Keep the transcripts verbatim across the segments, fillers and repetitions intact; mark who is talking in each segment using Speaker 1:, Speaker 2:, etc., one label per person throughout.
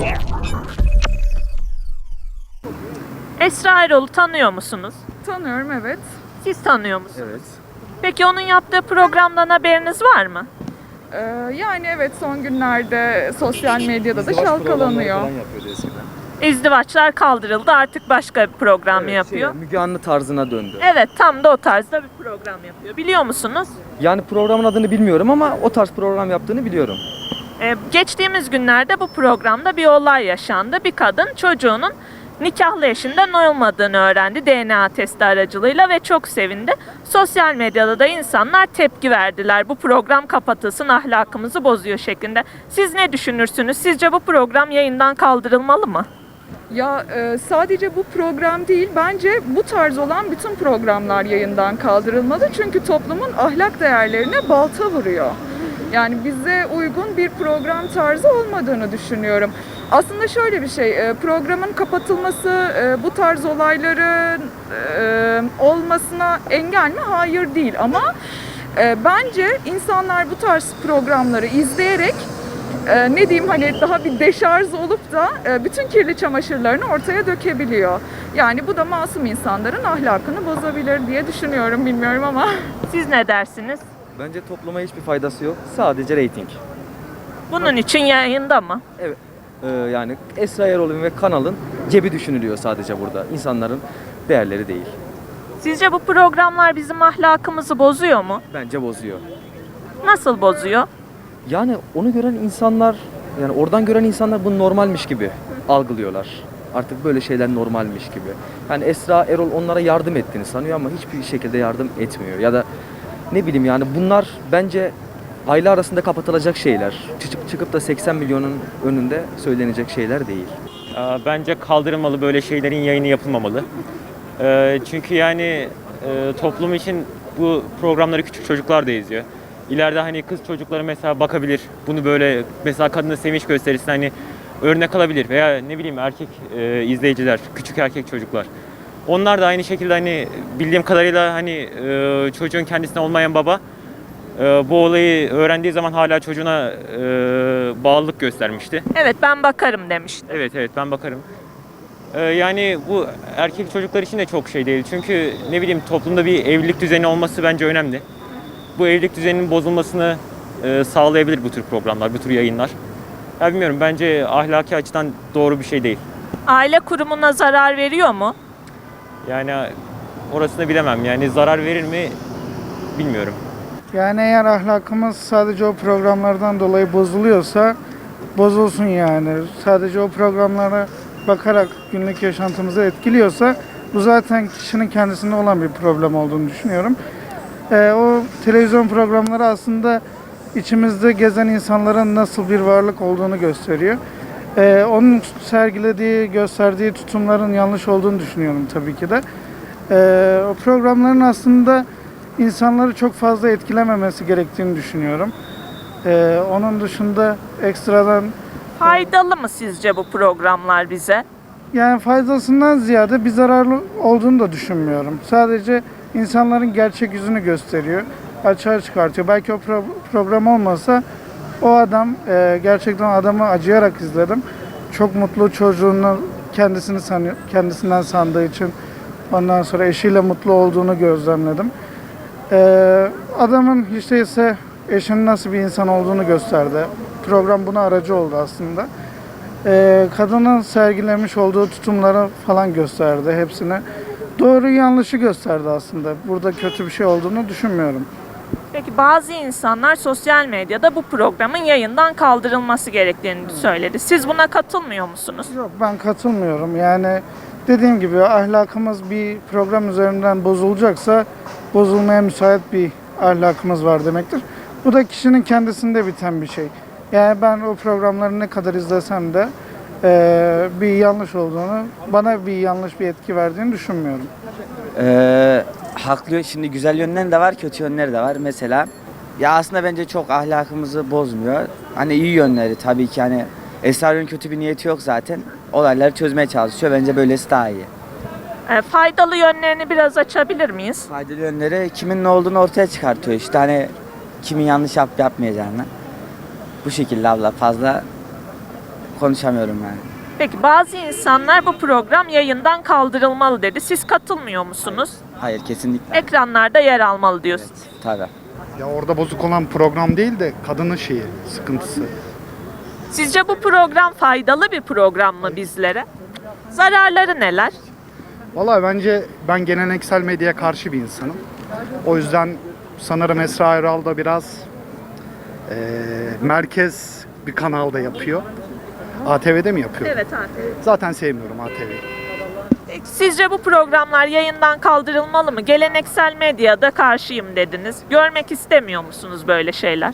Speaker 1: Esra Erol'u tanıyor musunuz?
Speaker 2: Tanıyorum, evet.
Speaker 1: Siz tanıyor musunuz?
Speaker 3: Evet.
Speaker 1: Peki onun yaptığı programdan haberiniz var mı?
Speaker 2: Ee, yani evet, son günlerde sosyal medyada da
Speaker 3: İzdivaç programları
Speaker 2: çalkalanıyor.
Speaker 3: falan yapıyordu eskiden.
Speaker 1: İzdivaçlar kaldırıldı, artık başka bir program
Speaker 3: Evet,
Speaker 1: yapıyor.
Speaker 3: şey, Müge Anlı tarzına döndü.
Speaker 1: Evet, tam da o tarzda bir program yapıyor. Biliyor musunuz?
Speaker 3: Yani programın adını bilmiyorum ama o tarz program yaptığını biliyorum.
Speaker 1: Ee, geçtiğimiz günlerde bu programda bir olay yaşandı. Bir kadın çocuğunun nikahlı eşinden olmadığını öğrendi D N A testi aracılığıyla ve çok sevindi. Sosyal medyada da insanlar tepki verdiler. Bu program kapatılsın, ahlakımızı bozuyor şeklinde. Siz ne düşünürsünüz? Sizce bu program yayından kaldırılmalı mı?
Speaker 2: Ya e, sadece bu program değil, bence bu tarz olan bütün programlar yayından kaldırılmalı. Çünkü toplumun ahlak değerlerine balta vuruyor. Yani bize uygun bir program tarzı olmadığını düşünüyorum. Aslında şöyle bir şey, e, programın kapatılması e, bu tarz olayların e, olmasına engel mi? Hayır değil, ama e, bence insanlar bu tarz programları izleyerek e, ne diyeyim, hani daha bir deşarj olup da e, bütün kirli çamaşırlarını ortaya dökebiliyor. Yani bu da masum insanların ahlakını bozabilir diye düşünüyorum, bilmiyorum ama.
Speaker 1: Siz ne dersiniz?
Speaker 3: Bence topluma hiçbir faydası yok. Sadece reyting.
Speaker 1: Bunun için yayında mı?
Speaker 3: Evet. Ee, yani Esra Erol'un ve kanalın cebi düşünülüyor sadece burada. İnsanların değerleri değil.
Speaker 1: Sizce bu programlar bizim ahlakımızı bozuyor mu?
Speaker 3: Bence bozuyor.
Speaker 1: Nasıl bozuyor?
Speaker 3: Yani onu gören insanlar, yani oradan gören insanlar bunu normalmiş gibi algılıyorlar. Artık böyle şeyler normalmiş gibi. Yani Esra Erol onlara yardım ettiğini sanıyor ama hiçbir şekilde yardım etmiyor. Ya da ne bileyim, yani bunlar bence aile arasında kapatılacak şeyler. Çıkıp, çıkıp da seksen milyonun önünde söylenecek şeyler değil.
Speaker 4: Ee, Bence kaldırılmalı, böyle şeylerin yayını yapılmamalı. Ee, Çünkü yani e, toplum için bu programları küçük çocuklar da izliyor. İleride hani kız çocukları mesela bakabilir, bunu böyle mesela kadına sevinç gösterisine hani örnek alabilir veya ne bileyim erkek e, izleyiciler, küçük erkek çocuklar. Onlar da aynı şekilde hani bildiğim kadarıyla hani e, çocuğun kendisine olmayan baba e, bu olayı öğrendiği zaman hala çocuğuna e, bağlılık göstermişti.
Speaker 1: Evet, ben bakarım demişti.
Speaker 4: Evet evet ben bakarım. Ee, yani bu erkek çocuklar için de çok şey değil. Çünkü ne bileyim toplumda bir evlilik düzeni olması bence önemli. Bu evlilik düzeninin bozulmasını e, sağlayabilir bu tür programlar, bu tür yayınlar. Ya bilmiyorum, bence ahlaki açıdan doğru bir şey değil.
Speaker 1: Aile kurumuna zarar veriyor mu?
Speaker 4: Yani orasını bilemem. Yani zarar verir mi bilmiyorum.
Speaker 5: Yani eğer ahlakımız sadece o programlardan dolayı bozuluyorsa bozulsun yani. Sadece o programlara bakarak günlük yaşantımızı etkiliyorsa bu zaten kişinin kendisinde olan bir problem olduğunu düşünüyorum. Ee, o televizyon programları aslında içimizde gezen insanların nasıl bir varlık olduğunu gösteriyor. Ee, onun sergilediği, gösterdiği tutumların yanlış olduğunu düşünüyorum tabii ki de. Ee, o programların aslında insanları çok fazla etkilememesi gerektiğini düşünüyorum. Ee, onun dışında ekstradan
Speaker 1: Faydalı mı sizce bu programlar bize?
Speaker 5: yani faydasından ziyade bir zararlı olduğunu da düşünmüyorum. Sadece insanların gerçek yüzünü gösteriyor, açığa çıkartıyor. Belki o pro- program olmasa o adam, e, gerçekten adamı acıyarak izledim. Çok mutlu, çocuğunu kendisini sanıyor, kendisinden sandığı için ondan sonra eşiyle mutlu olduğunu gözlemledim. E, adamın hiç değilse eşinin nasıl bir insan olduğunu gösterdi. Program buna aracı oldu aslında. Ee, kadının sergilemiş olduğu tutumları falan gösterdi hepsine. Doğru yanlışı gösterdi aslında. Burada kötü bir şey olduğunu düşünmüyorum.
Speaker 1: Peki bazı insanlar sosyal medyada bu programın yayından kaldırılması gerektiğini söyledi. Siz buna katılmıyor musunuz?
Speaker 5: Yok, ben katılmıyorum. Yani dediğim gibi ahlakımız bir program üzerinden bozulacaksa bozulmaya müsait bir ahlakımız var demektir. Bu da kişinin kendisinde biten bir şey. Yani ben o programları ne kadar izlesem de e, bir yanlış olduğunu, bana bir yanlış bir etki verdiğini düşünmüyorum.
Speaker 6: Ee, haklı, şimdi güzel yönleri de var, kötü yönleri de var. Mesela ya aslında bence çok ahlakımızı bozmuyor. Hani iyi yönleri tabii ki, hani Esra'nın kötü bir niyeti yok zaten. Olayları çözmeye çalışıyor. Bence böylesi daha iyi.
Speaker 1: E, faydalı yönlerini biraz açabilir miyiz?
Speaker 6: Faydalı yönleri kimin ne olduğunu ortaya çıkartıyor. İşte hani kimin yanlış yapıp yapmayacağını. Bu şekilde abla, fazla konuşamıyorum yani.
Speaker 1: Peki bazı insanlar bu program yayından kaldırılmalı dedi. Siz katılmıyor musunuz?
Speaker 6: Hayır, kesinlikle.
Speaker 1: Ekranlarda yer almalı diyorsunuz.
Speaker 6: Tabii.
Speaker 7: Ya orada bozuk olan program değil de kadının şeyi, sıkıntısı.
Speaker 1: Sizce bu program faydalı bir program mı bizlere? Zararları neler?
Speaker 7: Vallahi bence ben geleneksel medyaya karşı bir insanım. O yüzden sanırım Esra Erol da biraz eee, merkez bir kanalda yapıyor. A T V'de mi yapıyor?
Speaker 1: Evet abi.
Speaker 7: Zaten sevmiyorum A T V'yi.
Speaker 1: Peki, sizce bu programlar yayından kaldırılmalı mı? Geleneksel medyada karşıyım dediniz. Görmek istemiyor musunuz böyle şeyler?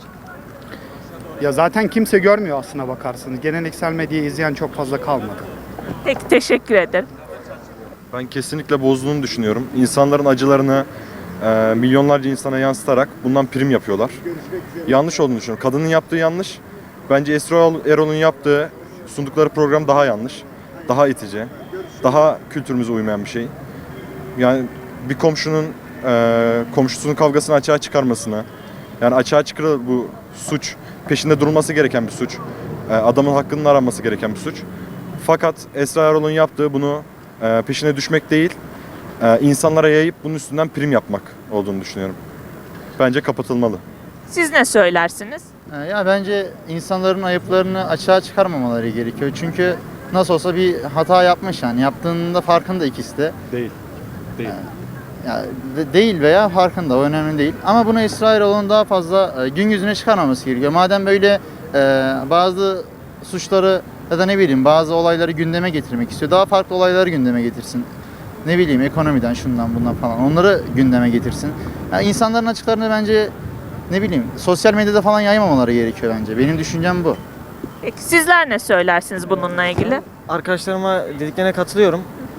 Speaker 7: Ya zaten kimse görmüyor aslına bakarsınız. Geleneksel medyayı izleyen çok fazla kalmadı.
Speaker 1: Peki, teşekkür ederim.
Speaker 8: Ben kesinlikle bozduğunu düşünüyorum. İnsanların acılarını e, milyonlarca insana yansıtarak bundan prim yapıyorlar. Yanlış olduğunu düşünüyorum. Kadının yaptığı yanlış. Bence Esra Erol'un yaptığı, sundukları program daha yanlış. Daha itici. Daha kültürümüze uymayan bir şey. Yani bir komşunun e, komşusunun kavgasını açığa çıkarmasına, yani açığa çıkarır bu suç. Peşinde durulması gereken bir suç. E, adamın hakkının aranması gereken bir suç. Fakat Esra Erol'un yaptığı bunu e, peşine düşmek değil, e, insanlara yayıp bunun üstünden prim yapmak olduğunu düşünüyorum. Bence kapatılmalı.
Speaker 1: Siz ne söylersiniz?
Speaker 9: Ee, Ya bence insanların ayıplarını açığa çıkarmamaları gerekiyor. Çünkü nasıl olsa bir hata yapmış yani. Yaptığında farkında ikisi de.
Speaker 8: Değil. Değil.
Speaker 9: Ya de- değil veya farkında, o önemli değil. Ama bunu Esra Erol'un daha fazla e, gün yüzüne çıkarmaması gerekiyor. Madem böyle e, bazı suçları ya da ne bileyim bazı olayları gündeme getirmek istiyor. Daha farklı olayları gündeme getirsin. Ne bileyim ekonomiden, şundan bundan falan. Onları gündeme getirsin. Yani insanların açıklarını bence ne bileyim sosyal medyada falan yaymamaları gerekiyor bence. Benim düşüncem bu.
Speaker 1: Peki, sizler ne söylersiniz bununla ilgili?
Speaker 10: Arkadaşlarıma dediklerine katılıyorum.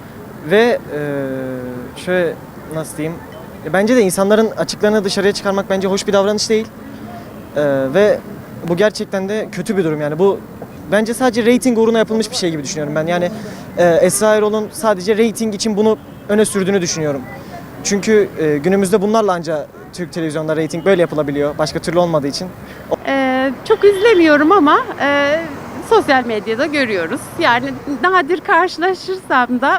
Speaker 10: Ve eee, şöyle nasıl diyeyim? e, Bence de insanların açıklarını dışarıya çıkarmak bence hoş bir davranış değil. Eee, ve bu gerçekten de kötü bir durum yani. Bu bence sadece reyting uğruna yapılmış bir şey gibi düşünüyorum ben. Yani eee, Esra Erol'un sadece reyting için bunu öne sürdüğünü düşünüyorum. Çünkü eee, günümüzde bunlarla ancak Türk televizyonda reyting böyle yapılabiliyor. Başka türlü olmadığı için.
Speaker 11: Ee, çok izlemiyorum ama e, sosyal medyada görüyoruz. Yani nadir karşılaşırsam da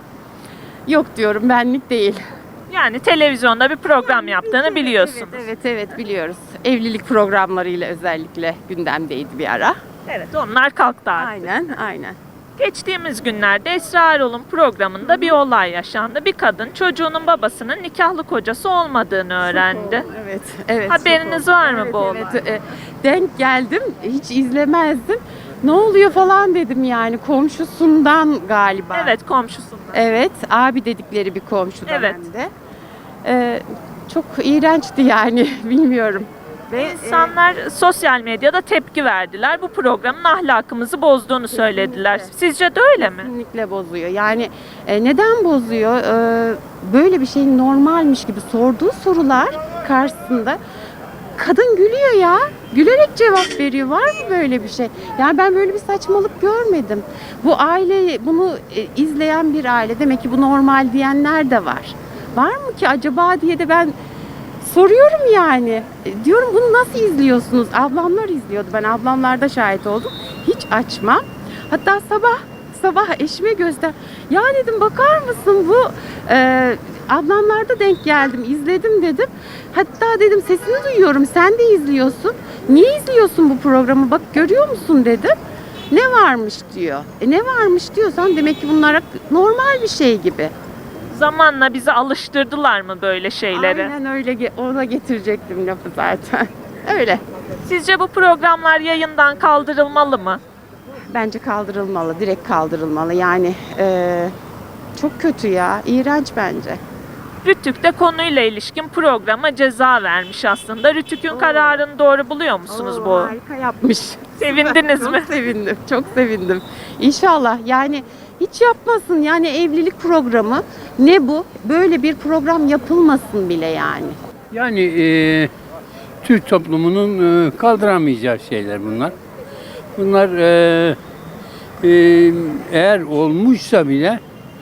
Speaker 11: yok diyorum, benlik değil.
Speaker 1: Yani televizyonda bir program yaptığını biliyorsunuz.
Speaker 11: Evet, evet, evet biliyoruz. Evlilik programlarıyla özellikle gündemdeydi bir ara.
Speaker 1: Evet, onlar kalktı artık.
Speaker 11: Aynen, aynen.
Speaker 1: Geçtiğimiz günlerde Esra Erol'un programında bir olay yaşandı. Bir kadın çocuğunun babasının nikahlı kocası olmadığını öğrendi.
Speaker 11: Evet, evet.
Speaker 1: Haberiniz var mı bu olay?
Speaker 11: Evet, e, denk geldim, hiç izlemezdim. Ne oluyor falan dedim yani, komşusundan galiba.
Speaker 1: Evet, komşusundan.
Speaker 11: Evet, abi dedikleri bir komşudan
Speaker 1: Evet.
Speaker 11: hem de. Ee, çok iğrençti yani, bilmiyorum. Ve
Speaker 1: İnsanlar sosyal medyada tepki verdiler. Bu programın ahlakımızı bozduğunu söylediler. Sizce de öyle mi?
Speaker 11: kesinlikle bozuyor. Yani e, neden bozuyor? Ee, böyle bir şeyin normalmiş gibi sorduğu sorular karşısında kadın gülüyor ya. Gülerek cevap veriyor. Var mı böyle bir şey? Yani ben böyle bir saçmalık görmedim. Bu aile, bunu e, izleyen bir aile, demek ki bu normal diyenler de var. Var mı ki acaba diye de ben soruyorum yani. E, diyorum bunu nasıl izliyorsunuz? Ablamlar izliyordu. Ben ablamlarda şahit oldum. Hiç açmam. Hatta sabah sabah eşime göster. Ya dedim, bakar mısın bu e, ablamlarda denk geldim, izledim dedim. Hatta dedim sesini duyuyorum, sen de izliyorsun. Niye izliyorsun bu programı? Bak görüyor musun dedim. Ne varmış diyor. E ne varmış diyorsan demek ki bunlar normal bir şey gibi.
Speaker 1: Zamanla bizi alıştırdılar mı böyle şeylere?
Speaker 11: Aynen öyle, ge- ona getirecektim lafı zaten. Öyle.
Speaker 1: Sizce bu programlar yayından kaldırılmalı mı?
Speaker 11: Bence kaldırılmalı, direkt kaldırılmalı. Yani e, çok kötü ya, iğrenç bence.
Speaker 1: Rütük de konuyla ilişkin programa ceza vermiş aslında. Rütük'ün kararını doğru buluyor musunuz
Speaker 11: Oo,
Speaker 1: bu?
Speaker 11: Harika yapmış.
Speaker 1: Sevindiniz mi?
Speaker 11: Çok sevindim, çok sevindim. İnşallah yani hiç yapmasın yani, evlilik programı ne bu? Böyle bir program yapılmasın bile yani.
Speaker 12: Yani e, Türk toplumunun e, kaldıramayacağı şeyler bunlar. Bunlar e, e, eğer olmuşsa bile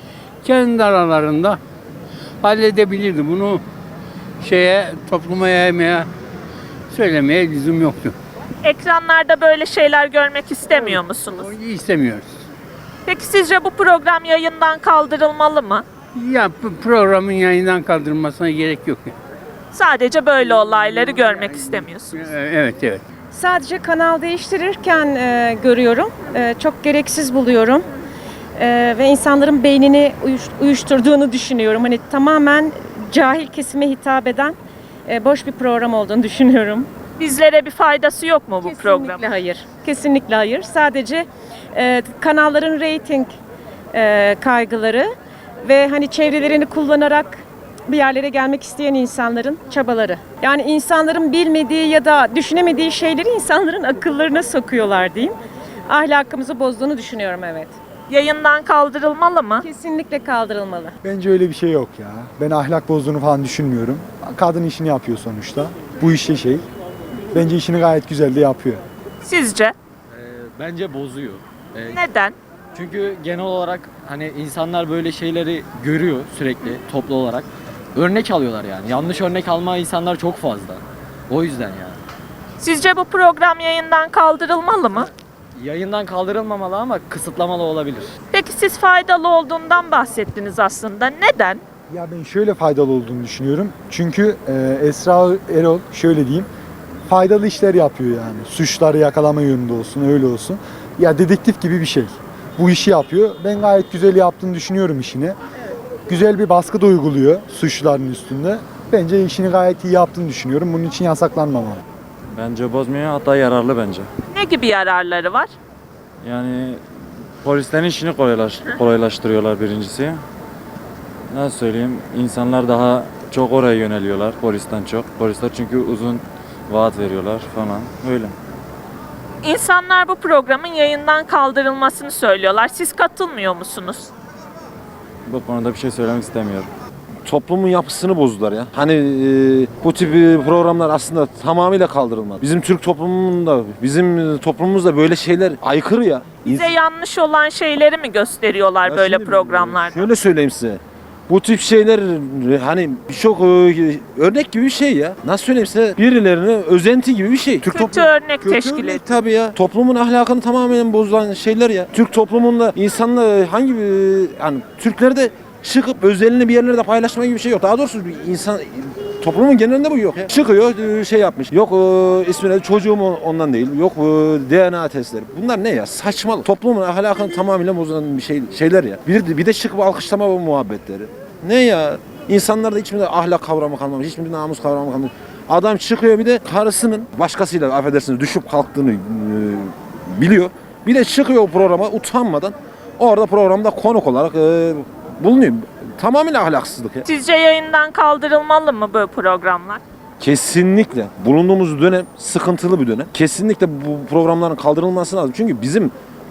Speaker 12: kendi aralarında halledebilirdi. Bunu şeye, topluma yaymaya, söylemeye lüzum yoktu.
Speaker 1: Ekranlarda böyle şeyler görmek istemiyor musunuz?
Speaker 12: İstemiyoruz.
Speaker 1: Peki sizce bu program yayından kaldırılmalı mı?
Speaker 12: Ya bu programın yayından kaldırılmasına gerek yok.
Speaker 1: Sadece böyle olayları görmek istemiyorsunuz.
Speaker 12: Ee, Evet, evet.
Speaker 13: Sadece kanal değiştirirken e, görüyorum. E, çok gereksiz buluyorum. E, ve insanların beynini uyuş- uyuşturduğunu düşünüyorum. Hani tamamen cahil kesime hitap eden e, boş bir program olduğunu düşünüyorum.
Speaker 1: Bizlere bir faydası yok mu bu
Speaker 13: Kesinlikle
Speaker 1: programın?
Speaker 13: hayır. Kesinlikle hayır. Sadece e, kanalların reyting e, kaygıları ve hani çevrelerini kullanarak bir yerlere gelmek isteyen insanların çabaları. Yani insanların bilmediği ya da düşünemediği şeyleri insanların akıllarına sokuyorlar diyeyim. Ahlakımızı bozduğunu düşünüyorum, evet.
Speaker 1: Yayından kaldırılmalı mı?
Speaker 13: Kesinlikle kaldırılmalı.
Speaker 14: Bence öyle bir şey yok ya. Ben ahlak bozduğunu falan düşünmüyorum. Kadın işini yapıyor sonuçta. Bu işe şey. Bence işini gayet güzel de yapıyor.
Speaker 1: Sizce?
Speaker 15: Bence bozuyor.
Speaker 1: Neden?
Speaker 15: Çünkü genel olarak hani insanlar böyle şeyleri görüyor sürekli toplu olarak. Örnek alıyorlar yani. Yanlış örnek alma insanlar çok fazla. O yüzden yani.
Speaker 1: Sizce bu program yayından kaldırılmalı mı?
Speaker 15: Yayından kaldırılmamalı ama kısıtlamalı olabilir.
Speaker 1: Peki siz faydalı olduğundan bahsettiniz aslında. Neden?
Speaker 14: Ya ben şöyle faydalı olduğunu düşünüyorum. Çünkü e, Esra Erol şöyle diyeyim. Faydalı işler yapıyor yani. Suçları yakalama yönünde olsun, öyle olsun. Ya dedektif gibi bir şey. Bu işi yapıyor. Ben gayet güzel yaptığını düşünüyorum işini. Güzel bir baskı da uyguluyor suçluların üstünde. Bence işini gayet iyi yaptığını düşünüyorum. Bunun için yasaklanmamalı.
Speaker 15: Bence bozmuyor, hatta yararlı bence.
Speaker 1: Ne gibi yararları var?
Speaker 15: Yani polislerin işini kolaylaş, kolaylaştırıyorlar birincisi. Nasıl söyleyeyim? İnsanlar daha çok oraya yöneliyorlar polisten çok. Polisler çünkü uzun vaat veriyorlar falan. Öyle.
Speaker 1: İnsanlar bu programın yayından kaldırılmasını söylüyorlar. Siz katılmıyor musunuz?
Speaker 15: Bu konuda bir şey söylemek istemiyorum.
Speaker 16: Toplumun yapısını bozdular ya. Hani e, bu tip e, programlar aslında tamamıyla kaldırılmalı. Bizim Türk toplumunda, bizim toplumumuzda böyle şeyler aykırı ya.
Speaker 1: Bize yanlış olan şeyleri mi gösteriyorlar
Speaker 16: Ya
Speaker 1: böyle
Speaker 16: şimdi,
Speaker 1: programlarda?
Speaker 16: Şöyle söyleyeyim size. Bu tip şeyler e, hani çok e, örnek gibi bir şey ya. Nasıl söyleyeyim size? Birilerine özenti gibi bir şey. Türk
Speaker 1: Kötü örnek teşkil ediyor.
Speaker 16: Tabii ya. Toplumun ahlakını tamamen bozulan şeyler ya. Türk toplumunda insanlar hangi bir yani Türklerde çıkıp özelini bir yerlerde paylaşma gibi bir şey yok. Daha doğrusu bir insan toplumun genelinde bu yok. Ya. Çıkıyor şey yapmış. Yok e, ismine çocuğum ondan değil. Yok e, D N A testleri. Bunlar ne ya? Saçmalık. Toplumun ahlakını tamamıyla bozan bir şey şeyler ya. Bir de, bir de çıkıp alkışlama bu muhabbetleri. Ne ya? İnsanlarda hiçbir ahlak kavramı kalmamış. Hiçbir namus kavramı kalmamış. Adam çıkıyor bir de karısının başkasıyla affedersiniz düşüp kalktığını e, biliyor. Bir de çıkıyor o programa utanmadan orada programda konuk olarak e, bulunuyor. Tamamen ahlaksızlık ya.
Speaker 1: Sizce yayından kaldırılmalı mı bu programlar?
Speaker 16: Kesinlikle. Bulunduğumuz dönem sıkıntılı bir dönem. Kesinlikle bu programların kaldırılması lazım. Çünkü bizim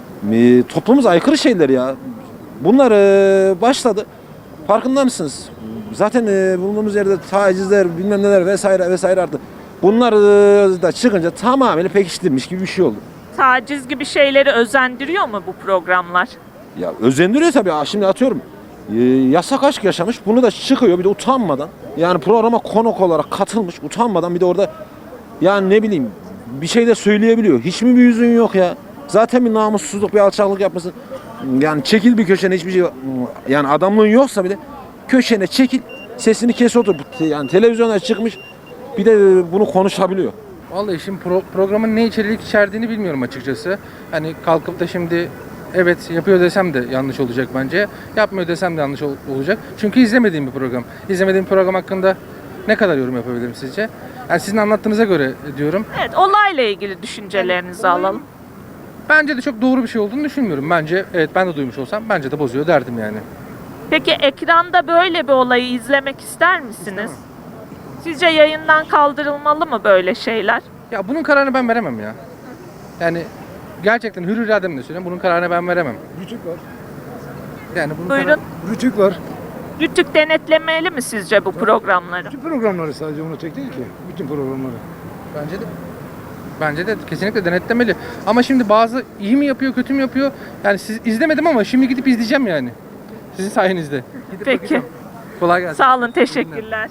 Speaker 16: e, toplumumuz aykırı şeyler ya. Bunlar e, başladı. Farkında mısınız? Zaten e, bulunduğumuz yerde tacizler, bilmem neler vesaire vesaire arttı. Bunlar e, da çıkınca tamamen pekiştirilmiş gibi bir şey oldu.
Speaker 1: Taciz gibi şeyleri özendiriyor mu bu programlar?
Speaker 16: Ya özendiriyor tabii. Şimdi atıyorum. E, yasak aşk yaşamış. Bunu da çıkıyor bir de utanmadan. Yani programa konuk olarak katılmış. Utanmadan bir de orada yani ne bileyim bir şey de söyleyebiliyor. Hiç mi bir yüzün yok ya? Zaten bir namussuzluk, bir alçaklık yapmasın. Yani çekil bir köşene hiçbir şey yani adamlığın yoksa bile köşene çekil. Sesini kes otur. Yani televizyona çıkmış. Bir de bunu konuşabiliyor.
Speaker 17: Vallahi şimdi pro- programın ne içerik içerdiğini bilmiyorum açıkçası. Hani kalkıp da şimdi evet yapıyor desem de yanlış olacak bence. Yapmıyor desem de yanlış ol- olacak. Çünkü izlemediğim bir program. İzlemediğim program hakkında ne kadar yorum yapabilirim sizce? Yani sizin anlattığınıza göre diyorum.
Speaker 1: Evet, olayla ilgili düşüncelerinizi
Speaker 17: Yani olayın-
Speaker 1: alalım.
Speaker 17: Bence de çok doğru bir şey olduğunu düşünmüyorum. Bence evet ben de duymuş olsam bence de bozuyor derdim yani.
Speaker 1: Peki ekranda böyle bir olayı izlemek ister misiniz? Sizce yayından kaldırılmalı mı böyle şeyler?
Speaker 17: Ya bunun kararını ben veremem ya. Yani gerçekten hür irademle söylüyorum. Bunun kararını ben veremem.
Speaker 14: Rütük var.
Speaker 17: Yani bunun
Speaker 1: Buyurun.
Speaker 17: kararı-
Speaker 14: Rütük var.
Speaker 1: Rütük denetlemeli mi sizce bu programları?
Speaker 14: Bütün programları sadece onu tek değil ki. Bütün programları.
Speaker 17: Bence de. Bence de kesinlikle denetlemeli. Ama şimdi bazı iyi mi yapıyor, kötü mü yapıyor? Yani siz izlemedim ama şimdi gidip izleyeceğim yani. Sizin sayenizde. Gidip
Speaker 1: Peki.
Speaker 17: bakacağım. Kolay gelsin.
Speaker 1: Sağ olun, teşekkürler.